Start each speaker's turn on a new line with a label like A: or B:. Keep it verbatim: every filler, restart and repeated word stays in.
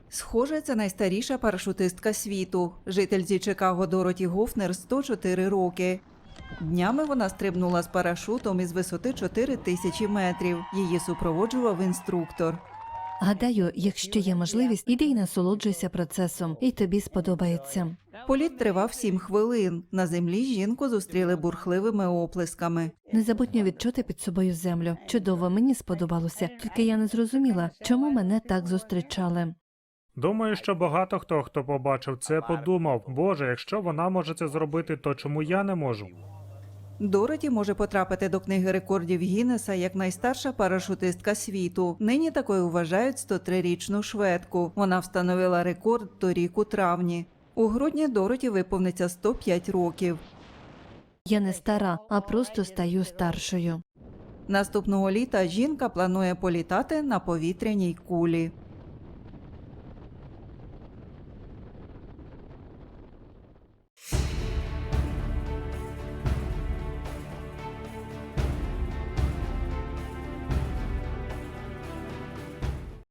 A: Схоже, це найстаріша парашутистка світу. Жительці Чикаго Дороті Гофнер сто чотири роки. Днями вона стрибнула з парашутом із висоти чотири тисячі метрів. Її супроводжував інструктор.
B: Гадаю, якщо є можливість, іди й насолоджуйся процесом, і тобі сподобається.
A: Політ тривав сім хвилин. На землі жінку зустріли бурхливими оплесками.
B: Незабутньо відчути під собою землю. Чудово, мені сподобалося. Тільки я не зрозуміла, чому мене так зустрічали.
C: Думаю, що багато хто, хто побачив це, подумав, Боже, якщо вона може це зробити, то чому я не можу?
A: Дороті може потрапити до книги рекордів Гіннеса як найстарша парашутистка світу. Нині такою вважають сто трирічну шведку. Вона встановила рекорд торік у травні. У грудні Дороті виповниться сто п'ять років.
B: Я не стара, а просто стаю старшою.
A: Наступного літа жінка планує політати на повітряній кулі.